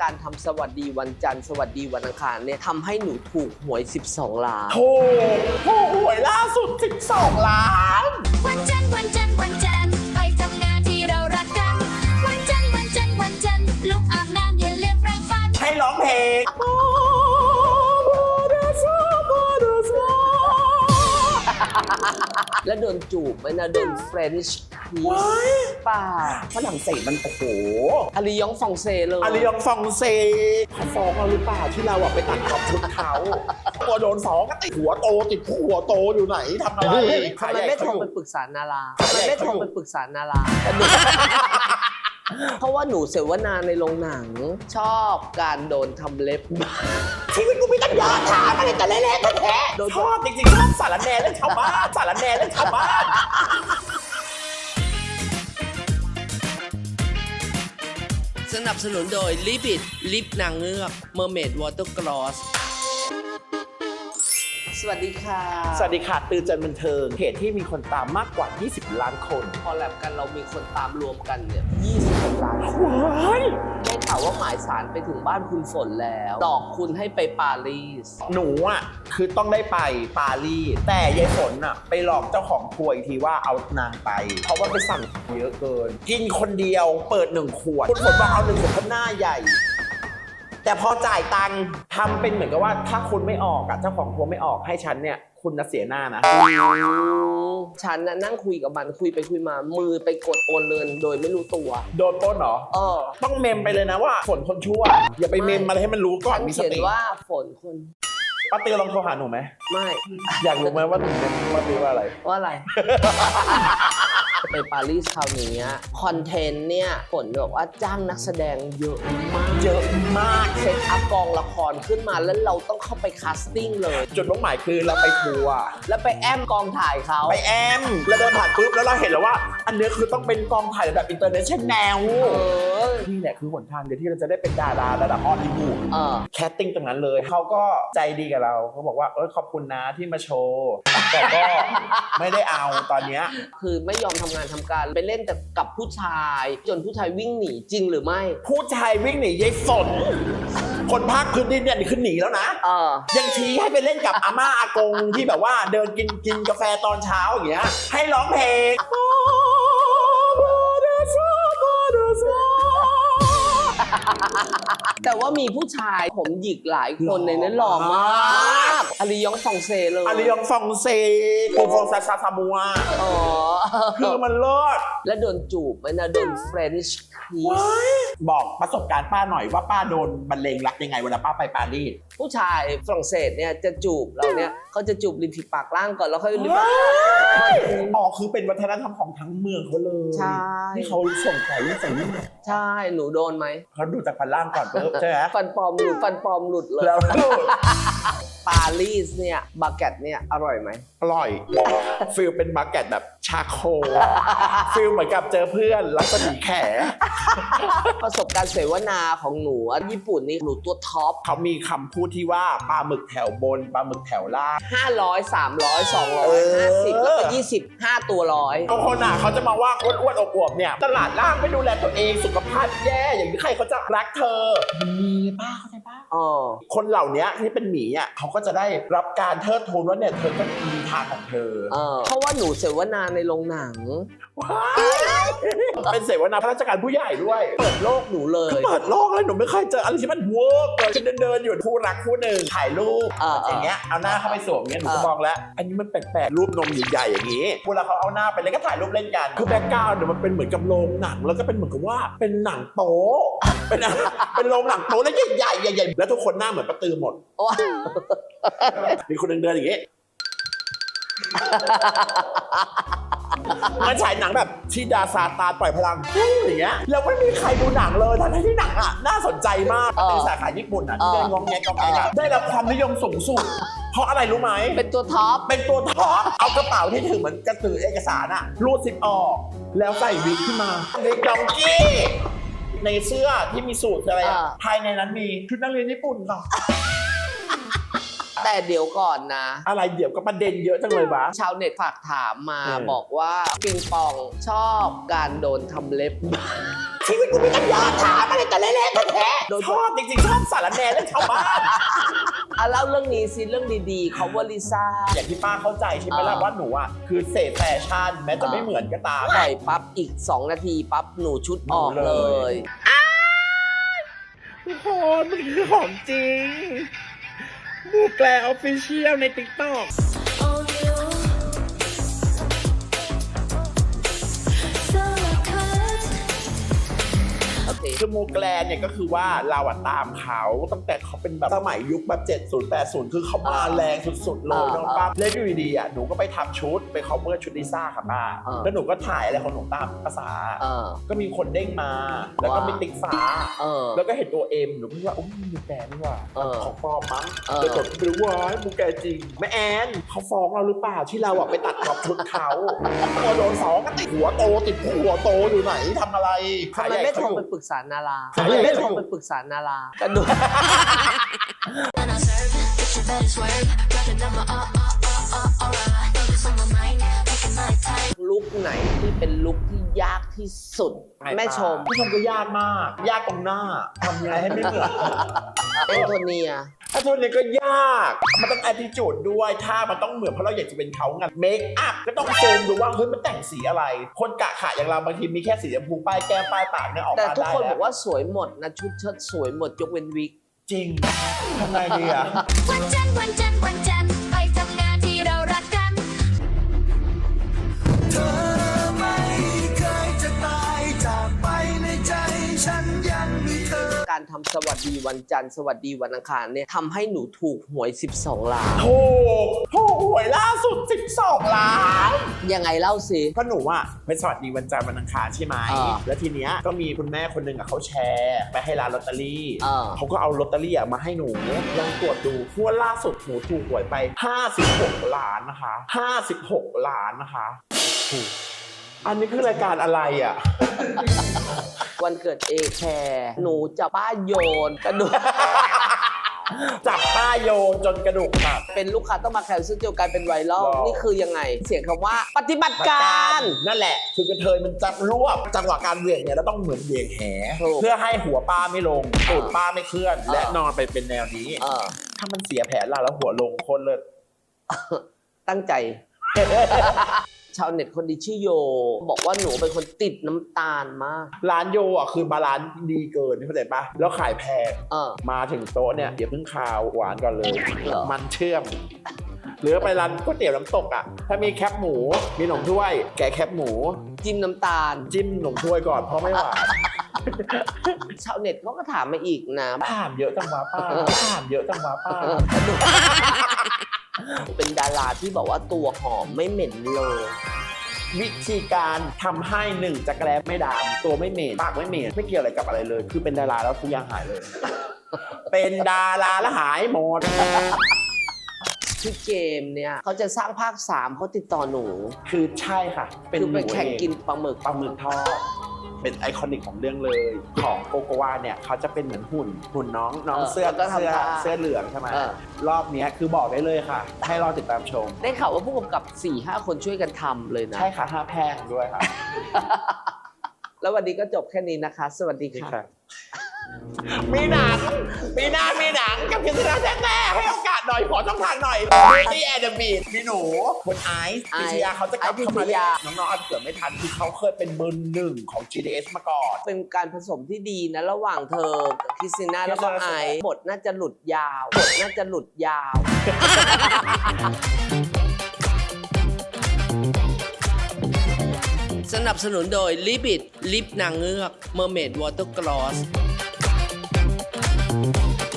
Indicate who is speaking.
Speaker 1: การทำสวัสดีวันจันทร์สวัสดีวันอังคารเนี่ยทำให้หนูถูกหวย12 ล้าน
Speaker 2: ถูกหวยล่าสุด12 ล้าน
Speaker 3: วันจันทร์วันจันทร์วันจันทร์ไปทำงานที่เรารักกันวันจันทร์วันจันทร์วันจันทร์ลุกอาบน้ำอย่าลืมแปรงฟัน
Speaker 2: ให้ร้องเพลง
Speaker 1: แล้วโดนจูบไหมนะโดนเฟรนช์คิสป่า
Speaker 2: ฝรั่งเศสมันโอ้โห
Speaker 1: อาลียองฟองเซเลย
Speaker 2: อาลียองฟองเซเขาฟ้องเราหรือเปล่าที่เราไปตัดขอบชุดเขาตัวโดนฟ้องก็ติดหัวโตติดหัวโตอยู่ไหนทำอะไร
Speaker 1: ทำไมไม่โทรไปปรึกษานาราทำไมไม่โทรไปปรึกษานาราเพราะว่าหนูเสวนาในโรงหนังชอบการโดนทำเล็บ
Speaker 2: ชีวิตกูมีตั้งเยอะถามอะไรแต่แรกๆแท้ชอบจริงๆชอบสารแหน่เรื่องชาวบ้านสารแหน่เรื่องชาวบ้าน
Speaker 1: สนับสนุนโดยลิบิดลิปนางเงือกเมอร์เมดวอเตอร์กลอสสวัสดีค่ะ
Speaker 2: สวัสดีค่ะตื่นจันบันเทิงเพจที่มีคนตามมากกว่า20 ล้านคน
Speaker 1: พอแลบกันเรามีคนตามรวมกันเนี่ย20 ล้านคนได้ข่าวว่าหมายสารไปถึงบ้านคุณฝนแล้วดอกคุณให้ไปปารีส
Speaker 2: หนูคือต้องได้ไปปารีสแต่ยายฝนไปหลอกเจ้าของทัวร์อีกทีว่าเอานางไปเพราะว่าไปสั่งเยอะเกินกินคนเดียวเปิด1 ขวดคุณฝนบอกเอา1 ขวดเพราะหน้าใหญ่แต่พอจ่ายตังค์ทำเป็นเหมือนกับว่าถ้าคุณไม่ออกเจ้าของทัวร์ไม่ออกให้ฉันเนี่ยคุณเสียหน้านะ
Speaker 1: ฉันนั่งคุยกับมันคุยไปคุยมามือไปกดโอนเงินโดยไม่รู้ตัว
Speaker 2: โดนปล้นเหรอต้องเมมไปเลยนะว่าฝนคนชั่วอย่าไปเมมอะไรให้มันรู้ก่อนมีสติ
Speaker 1: เขียนว่าฝนคน
Speaker 2: ป้าตือลองโทรหาหนูไหม
Speaker 1: ไม่
Speaker 2: อยากรู้ไหมว่าหนูเป็นป้าตือว่าอะไร
Speaker 1: ไปปารีสคราวนี้คอนเทนต์เนี่ยฝนบอกว่าจ้างนักแสดงเยอะมากเซตอัพกองละครขึ้นมาแล้วเราต้องเข้าไปคาสติ้งเลย
Speaker 2: จุดมุ่งหมายคือเราไปทัวร์
Speaker 1: แล้วไปแอมกองถ่ายเขา
Speaker 2: ไปแอมแล้วเดินผ่านปุ๊บแล้วเราเห็นแล้วว่าอันนี้คือต้องเป็นกองถ่ายระดับอินเตอร์เนชั่นแนลนี่แหละคือหนทางเดียวที่เราจะได้เป็นดาราระดับฮอลลีวูดแคสติ้งตรงนั้นเลยเขาก็ใจดีกับเราเขาบอกว่าขอบคุณนะที่มาโชว์แต่ก็ไม่ได้เอาตอนนี้
Speaker 1: คือไม่ยอมทำงานทำการไปเล่นแต่กับผู้ชายจนผู้ชายวิ่งหนีจริงหรือไม่
Speaker 2: ผู้ชายวิ่งหนียายฝนคนภาคพื้นดินเนี่ยคือหนีแล้วนะยังชี้ให้ไปเล่นกับอาม่าอากงที่แบบว่าเดินกินกาแฟตอนเช้าอย่างเงี้ยให้ร้องเพลง
Speaker 1: แต่ว่ามีผู้ชายผมหยิกหลายคนในนั้นหล่อมากอาลียองฟองเซเลย
Speaker 2: อาลียองฟองเซกูฟองซาซามัวคือมันเลิศ
Speaker 1: แล้วโดนจูบไหมนะโดนเฟรนช์คิส
Speaker 2: บอกประสบการณ์ป้าหน่อยว่าป้าโดนบรรเลงรักยังไงเวลาป้าไปปารีส
Speaker 1: ผู้ชายฝรั่งเศสเนี่ยจะจูบเราเนี่ยเขาจะจูบริมฝีปากล่างก่อนแล้วค่อยริมปาก
Speaker 2: คือเป็นวัฒนธรรมของทั้งเมืองเขาเลย
Speaker 1: ใช่
Speaker 2: ที่เขาส่งใส่
Speaker 1: ใช่หนูโดนไหม
Speaker 2: เขาดูจากฟันล่างก่อนปุ๊บใช่ไหม
Speaker 1: ฟันปลอมหลุดเลย
Speaker 2: แล้ว
Speaker 1: ปารีสเนี่ยบาเกตเนี่ยอร่อยไหม
Speaker 2: อร่อยฟิลเป็นบาเกตแบบชาโคฟิลเหมือนกับเจอเพื่อนรัศมีแข
Speaker 1: ประสบการณ์เสวนาของหนูญี่ปุ่นนี่หนูตัวท็อป
Speaker 2: เขามีคำพูดที่ว่าปลาหมึกแถวบนปลาหมึกแถวล่าง
Speaker 1: 500 300 250แล้วก็20 5ตัวร้อย
Speaker 2: บางคนเขาจะมาว่าอ้วนๆอวบๆเนี่ยตลาดล่างไม่ดูแลตัวเองสุขภาพแย่อย่างนี้ใครเขาจะรักเธอมีป้าเข้าใจป้าคนเหล่านี้ที่เป็นหมีเขาก็จะได้รับการเทิดทูนว่าเนี่ยเธอก็มีทางของเธอ
Speaker 1: เพราะว่าหนูเสวนาในโรงหนัง
Speaker 2: เป็นเสวนาพระราชการผู้ใหญ่ด้วย
Speaker 1: เปิดโลกหนูเลย
Speaker 2: เปิดโลกเลยหนูไม่เคยเจออะไรที่มันเวิร์กเลยฉันเดินอยู่คู่รักคู่หนึ่งถ่ายรูปอย่างเงี้ยเอาหน้าเข้าไปสวมเงี้ยหนูก็มองแล้วอันนี้มันแปลกๆรูปนมใหญ่ๆอย่างงี้เวลาเขาเอาหน้าไปเลยก็ถ่ายรูปเล่นกันคือแบ็คกราวด์เนี่ยมันเป็นเหมือนกับโรงหนังแล้วก็เป็นเหมือนกับว่าเป็นหนังโป๊เป็นโรงหนังโป๊แล้วใหญ่ๆแล้วทุกคนหน้าเหมือนประตือหมดมีคนเดินอย่างงี้มันฉายหนังแบบที่ดาซาตาปล่อยพลังอย่างเงี้ยแล้วไม่มีใครดูหนังเลยทั้งที่หนังน่าสนใจมากเป็นสาขาญี่ปุ่นที่ได้งองแงได้รับความนิยมสูงสุดเพราะอะไรรู้ไหม
Speaker 1: เป็นตัวท็อป
Speaker 2: เอากระเป๋าที่ถือเหมือนกระสือเอกสารรูดซิปออกแล้วใส่วิกขึ้นมาในดองกี้ในเสื้อที่มีสูทอะไรภายในนั้นมีชุดนักเรียนญี่ปุ่นต่อ
Speaker 1: แต่เดี๋ยวก่อนนะ
Speaker 2: อะไรเดี๋ยวก็ประเด็นเยอะจังเลยวะ
Speaker 1: ชาวเน็ตฝากถามมา
Speaker 2: บอก
Speaker 1: ว่าปิงปองชอบการโดนทำเล็บ
Speaker 2: ชีวิตกูมีปัญญาถามอะไรแต่เละๆแท้ๆชอบจริงๆชอบสารแหน่เรื่องชาวบ้าน
Speaker 1: อ่ะเล่าเรื่องนี้สิเรื่องดีๆเขาว่าลิซ่า
Speaker 2: อย่างที่ป้าเข้าใจใช่ไหมล่ะว่าหนูอ่ะคือเศษแฟชั่นแม้จะไม่เหมือนก็ตาม
Speaker 1: ปล่อยปั๊บอีก 2 นาทีปั๊บหนูชุดออกเลย
Speaker 2: ทุกคนมันคือของจริงบูแกลออฟฟิเชียลใน TikTok คือโมแกลนเนี่ยก็คือว่าเราอะตามเขาตั้งแต่เขาเป็นแบบสมัยยุคแบบ70 80คือเขามาแรงสุดๆเลยน้องป้าแล้วอยู่ดีๆอะหนูก็ไปทำชุดไป cover ชุดลิซ่าค่ะป้าแล้วหนูก็ถ่ายอะไรของหนูตามภาษาก็มีคนเด้งมาแล้วก็มีติ๊กฟ้าแล้วก็เห็นตัวเอ็มหนูก็ว่าโอ้ยมูแกนนี่ว่าของปลอมมั้งแล้วกดไปดูว่ามูแกนจริงแม่แอนเขาฟ้องเราหรือเปล่าที่เราอะไปตัดขอบชุดเขาพอโดน2ก็ติดหัวโตอยู่ไหนทำอะไร
Speaker 1: ทำไมไม่โทรไปปรึกษานาราทำไมไม่โทรไปปรึกษานารากันดู ลุคไหนที่เป็นลุคที่ยากที่สุดแม่ชม
Speaker 2: พี่ชมก็ยากมากยากตรงหน้าทำยังไงให้ไม่เหมือน
Speaker 1: แอนโทเนีย
Speaker 2: ถ้าโทนเนี่ยก็ยากมันต้อง attitude ด้วยถ้ามันต้องเหมือนเพราะเราอยากจะเป็นเขาไงเมคอัพก็ต้องซูมดูว่าเฮ้ยมันแต่งสีอะไร คนกะขะอย่างเราบางทีมีแค่สีชมพูป้ายแก้มป้ายปากเนี่ยออกมาได้
Speaker 1: แต่ทุกคนบอกว่าสวยหมดนะชุดเชิ้ตสวยหมดยกเว้นวิก
Speaker 2: จริงทำไงดีอะ
Speaker 3: วันจันทร์วันจันทร์วันจันทร์ไปทำงานที่เรารักกัน
Speaker 4: เธอไม่เคยจะตายจากไปในใจฉันยังมีเธอ
Speaker 1: การทำสวัสดีวันจันทร์สวัสดีวันอังคารเนี่ยทำให้หนูถูกหวย12 ล้าน
Speaker 2: ถูกหวยล่าสุด12 ล้าน
Speaker 1: ยังไงเล่าสิ
Speaker 2: ก็หนูอ่ะไปสวัสดีวันจันทร์วันอังคารใช่ไหมแล้วทีเนี้ยก็มีคุณแม่คนหนึ่งอ่ะเขาแชร์ไปให้ร้านลอตเตอรี่เขาก็เอาลอตเตอรี่อ่ะมาให้หนูลองตรวจดูงวดล่าสุดหนูถูกหวยไป56 ล้านนะคะ56 ล้านนะคะอันนี้คือรายการอะไรอ่ะ
Speaker 1: วันเกิดเอแคร์หนูจะป้าโยนกระดูก
Speaker 2: จับป้าโยนจนกระดูกหัก
Speaker 1: เป็นลูกค้าต้องมาแคนเซิลเดียวกันเป็นไวรัล
Speaker 2: ว้าว
Speaker 1: นี่คือยังไง เสียงคำว่าปฏิบัติการ
Speaker 2: นั่นแหละคือกระเทยมันจับรวบจังหวะการเหวี่ยงเนี่ยแล้วต้องเหมือนเหวี่ยงแห
Speaker 1: ถูก
Speaker 2: เพื่อให้หัวป้าไม่ลงตูดป้าไม่เคลื่อนและนอนไปเป็นแนวนี้ ถ้ามันเสียแผนล่ะแล้วหัวลงโคนเลย
Speaker 1: ตั้งใจ ชาวเน็ตคนดีชื่อโย บอกว่าหนูเป็นคนติดน้ำตาลมาก
Speaker 2: ร้านโยอ่ะคือบาลานซ์ดีเกินเข้าใจปะแล้วขายแพงมาถึงโต๊ะเนี่ยเดี๋ยวเพิ่งคาวหวานก่อนเลย มันเชื่อมหรือไปร้านก๋วยเตี๋ยวน้ำตกอ่ะถ้ามีแคบหมูมีหนมถ้วย แกะแคบหมู
Speaker 1: จิ้มน้ำตาล
Speaker 2: จิ้มหนมถ้วยก่อนเพราะไม่หวาน
Speaker 1: ชาวเน็ตเขาก็ถามมาอีกนะ
Speaker 2: ถามเยอะจังวะป้าถามเยอะจังวะป้า
Speaker 1: เป็นดาราที่บอกว่าตัวหอมไม่เหม็นเลย
Speaker 2: วิธีการทำให้1จักรแร้ไม่ดำตัวไม่เหม็นปากไม่เหม็นไม่เกี่ยวอะไรกับอะไรเลย คือเป็นดาราแล้วทุกอย่างหายเลย เป็นดาราแล้วหายหมด
Speaker 1: ที่เกมเนี่ยเขาจะสร้างภาค 3เขาติดต่อหนู
Speaker 2: คือใช่ค่ะ เป็น
Speaker 1: คือ
Speaker 2: ห
Speaker 1: ไป
Speaker 2: นู
Speaker 1: แข่ง
Speaker 2: เอง
Speaker 1: กินปลาหมึก
Speaker 2: ปลาหมึกทอดเป็นไอคอนิกของเรื่องเลยของโกโกวาเนี่ยเขาจะเป็นเหมือนหุ่นน้องเสื้อ
Speaker 1: แล้วก็ทำท่า
Speaker 2: เสื้อเหลืองใช่ไหมรอบเนี้ยคือบอกได้เลยค่ะ ให้รอติดตามชม
Speaker 1: ได้ข่าวว่าผู้กำกับ 4-5 คนช่วยกันทำเลยนะ
Speaker 2: ใช่ค่ะ5 แพงด้วยค่ะ
Speaker 1: แล้ววันนี้ก็จบแค่นี้นะคะ สวัสดีค่ะ
Speaker 2: มีหนังมีหน้ามีหนังกับพิซซ่าแท้ๆให้โอกาสหน่อยขอช่องทางหน่อย Beauty and the Beast มีหนูคุณไอซ์พิชยาเขาจะกลับเข้ามาเล่นน้องๆอาจจะเกิดไม่ทันคือเขาเคยเป็นเบอร์ 1ของ GDS มาก่อน
Speaker 1: เป็นการผสมที่ดีนะระหว่างเธอกับคริสติน่าแล้วก็ไอซ์บทน่าจะหลุดยาวบทน่าจะหลุดยาว สนับสนุนโดยลิบิดลิปนางเงือกเมอร์เมดวอเตอร์กลอส